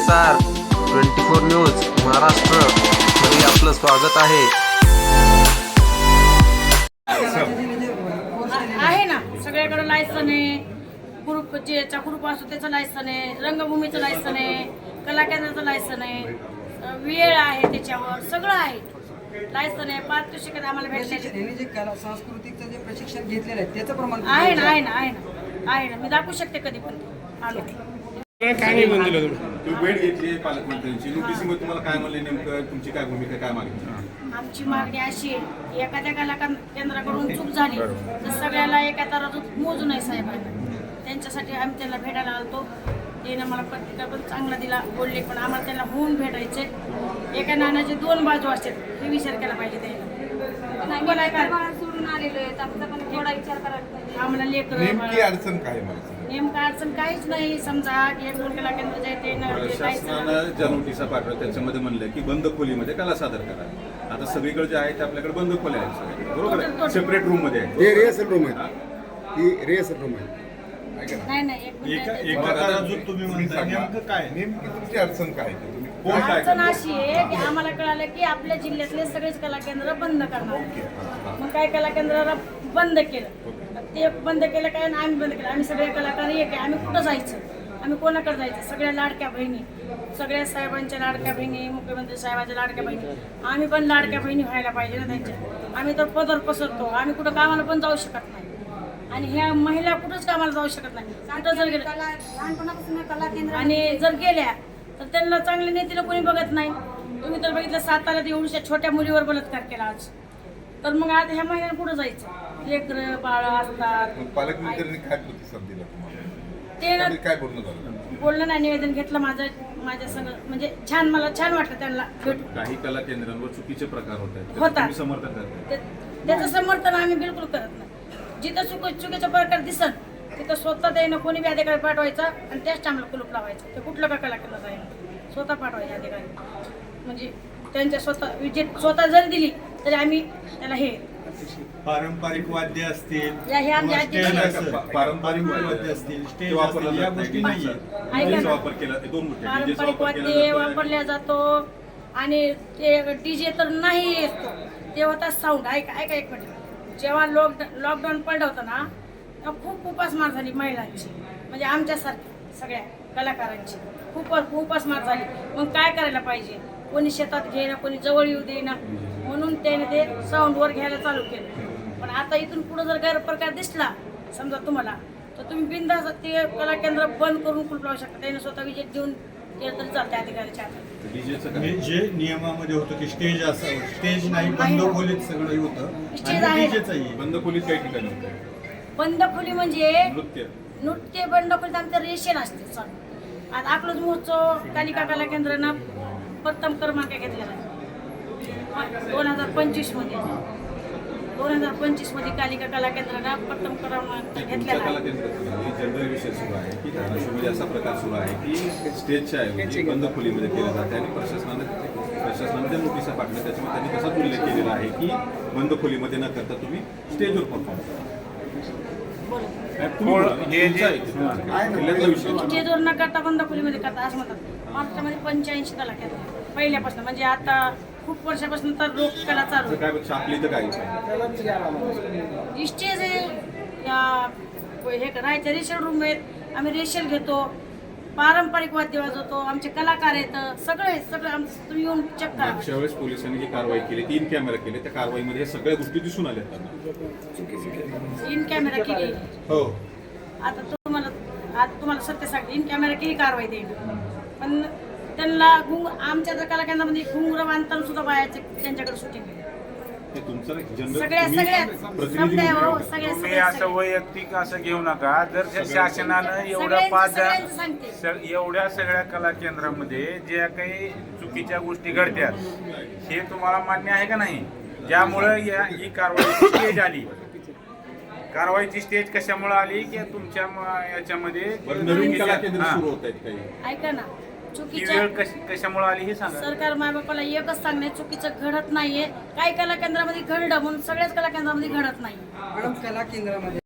SR 24 news Maharashtra मध्ये आपलं स्वागत आहे. आहे ना, सगळ्याकडे लायसन आहे. ग्रुप ज्याचा ग्रुप असतो त्याचं लायसन आहे, रंगभूमीचं लायसन आहे, कला केंद्राचं लायसन आहे, वेळ आहे, त्याच्यावर सगळं आहे. लायसन आहे, पारितोषिक आम्हाला भेटले. जे कला सांस्कृतिकचं जे प्रशिक्षण घेतलेलं आहे त्याचं प्रमाण आहे ना, आहे ना, आहे ना, आहे ना. मी दाखवू शकते कधी पण आलो. काय नाही म्हणलं तुम्ही? तुम्ही भेट घेतली पालकमंत्र्यांची, नोटीसमध्ये तुम्हाला काय म्हणले, नेमकं तुमची काय भूमिका, काय मागणी? आमची मागणी अशी आहे, एखाद्या कला केंद्राकडून चूक झाली तर सगळ्याला एका तराजूत मोजू नये साहेबांना. त्यांच्यासाठी आम्ही त्यांना भेटायला आलतो. त्याने मला पत्रिका पण चांगला दिला, बोलले, पण आम्हाला त्यांना होऊन भेटायचे. एका नाण्याचे दोन बाजू असतात हे विचार केला पाहिजे. त्याला सोडून आलेलो आहे, आमचा पण थोडा विचार करायला पाहिजे. आम्हाला नेमकी लेकर अडचण काय मला? नेमकं अडचण काहीच नाही. समजा की एक दोन कला केंद्र जे ते प्रशासनानं ज्या नोटिसा पाठवल्या त्याच्यामध्ये म्हणलं की बंद खोलीमध्ये कला सादर करा. आता सगळीकडे जे आहे ते आपल्याकडे बंद खोल्या आहेत सगळे, बरोबर आहे, सेपरेट रूम मध्ये आहे. हे रिहर्सल रूम आहे, ही रिहर्सल रूम आहे. नाही नाही, एक मिनिट. तुम्ही म्हणता नेमकं काय, नेमकी तुमची अडचण काय आहे? तुम्ही कोण काय अडचण अशी आहे की आम्हाला कळालं की आपल्या जिल्ह्यातले सगळेच कला केंद्र बंद करणार. मग काय कला केंद्राला बंद केलं, ते बंद केलं काय आणि आम्ही बंद केलं. आम्ही सगळे कलाकार एक आहे. आम्ही कुठं जायचं, आम्ही कोणाकडे जायचं? सगळ्या लाडक्या बहिणी, सगळ्या साहेबांच्या लाडक्या बहिणी, मुख्यमंत्री साहेबांच्या लाडक्या बहिणी, आम्ही पण लाडक्या बहिणी व्हायला पाहिजे ना त्यांच्या. आम्ही तर पदर पसरतो, आम्ही कुठं कामाला पण जाऊ शकत नाही. आणि ह्या महिला कुठंच कामाला जाऊ शकत नाही. कुठं जर गेलं लहानपणापासून कला केंद्र आणि जर गेल्या तर त्यांना चांगले नेतीला कोणी बघत नाही. तुम्ही तर बघितलं साताऱ्यात एवढ्या छोट्या मुलीवर बलात्कार केला आज. तर मग आता ह्या महिन्याला कुठं जायचं? लेकरं बाळ असतात. पालकमंत्र्यांनी काय प्रतिसाद दिला तुम्हाला? ते काय बोलणं झालं? बोललं नाही, निवेदन घेतलं माझ्या सगळं, म्हणजे छान, मला छान वाटलं त्यांना भेटून. काही कला केंद्रांवर चुकीचे प्रकार होत आहेत, होतात. तुम्ही समर्थन करताय? त्याचं समर्थन आम्ही बिलकुल करत नाही. जिथं चुकीचा प्रकार दिसत तिथं स्वतः त्यानं कोणी बी अधिकारी पाठवायचा आणि त्याच टाइमला कुलूप लावायचं. ते कुठलं का कला केलं जाईल, स्वतः पाठवायचे अधिकारी. म्हणजे त्यांच्या स्वतः विजिट स्वतः जरी दिली तरी आम्ही त्याला हे पारंपरिक वाद्य असतील, या हे आमच्या पारंपरिक वाद्य असतील, स्टेज वापरला असतील, या जात गोष्टी नाही. नाहीये. ऐका ना. वापर केला, ते दोन गोष्टी, डीजेचा पारंपरिक वापर केला वाद्य जातोय. वापरल्या जातो आणि ते डीजे तर नाही येतो, ते होता साऊंड. ऐका एक मिनिट. जेव्हा लॉकडाऊन पडलं होतं ना, तेव्हा खूप उपासमार झाली महिलांची, म्हणजे आमच्यासारखी सगळ्या कलाकारांची खूप उपासमार झाली. मग काय करायला पाहिजे? कोणी शेतात घेणं, कोणी जवळ येऊ देईना, म्हणून त्याने ते साऊंडवर घ्यायला चालू केलं. पण आता इथून पुढे जर गैरप्रकार दिसला समजा तुम्हाला, तर तुम्ही बिनधास्त ते कला केंद्र बंद करून कुलूप लावू शकता. त्याने स्वतः विजेत देऊन केलं तरी चालते अधिकाऱ्याच्या हातात. डीजेचं काय? म्हणजे जे नियमामध्ये होतं की स्टेज असावं, स्टेज नाही, बंद खोलीत सगळं होतं. स्टेज आहे. आणि डीजेचंही बंद खोलीत काही ठिकाणी होतं. बंद खोली म्हणजे नृत्य बंद खोलीत आमच्या रेषेला असते सण. आता अकलूज महोत्सव कालिका कला केंद्रानं प्रथम क्रमांक घेतलेला आहे 2025 मध्ये कालिका कला केंद्रानं प्रथम क्रमांक घेतलेला आहे. जनरल विषय सुरू आहे की धाराशिवमध्ये असा प्रकार सुरू आहे की स्टेजच्या ऐवजी बंद खोलीमध्ये केलं जाते आणि प्रशासनाने त्या नोटिसा पाठवल्या. त्याच्यामुळे त्यांनी तसाच उल्लेख केलेला आहे की बंद खोलीमध्ये न करता तुम्ही स्टेजवर परफॉर्म करा. स्टेजवर न करता बंद खोलीमध्ये करता असं म्हणतात. महाराष्ट्रामध्ये 85 कला केंद्र पहिल्यापासून, म्हणजे आता खूप वर्षापासून तर लोक कला चालू काय छापली तर काय स्टेज आहे. हे राहायचे रेशल रूम आहेत, आम्ही रेशल घेतो, पारंपरिक वाद्य वाजवतो, आमचे कलाकार आहेत, सगळं आमचं तुम्ही येऊन चेक करा. मागच्या वेळेस पोलिसांनी जी कारवाई केली, 3 कॅमेरा केले, त्या कारवाईमध्ये हे सगळ्या गोष्टी दिसून आल्या त्यांना. इन कॅमेरा केली. हो, आता तुम्हाला सत्य सांगते, इन कॅमेरा केली कारवाई देईल. पण त्यांना आमच्या जर कला केंद्रामध्ये घुंगरं बांधताना सुद्धा बायाचे त्यांच्याकडे शूटिंग हे तुमचं सगळ्या प्रतिनिधी तुम्ही असं वैयक्तिक असं घेऊ नका. जर त्या शासनानं एवढ्या सगळ्या कला केंद्रामध्ये ज्या काही चुकीच्या गोष्टी घडत्यात हे तुम्हाला मान्य आहे का नाही? ज्यामुळं ही कारवाईची स्टेज आली. कारवाईची स्टेज कशामुळे आली की तुमच्या याच्यामध्ये नवीन कला केंद्र सुरू होत आहेत काही. ऐका ना, ही वेळ कशामुळे आली हे सांगा. सरकार मायबापाला एकच सांगणे, चुकीचं घडत नाहीये. काही कला केंद्रामध्ये घडलं म्हणून सगळ्याच कला केंद्रामध्ये घडत नाही. मॅडम कला केंद्रामध्ये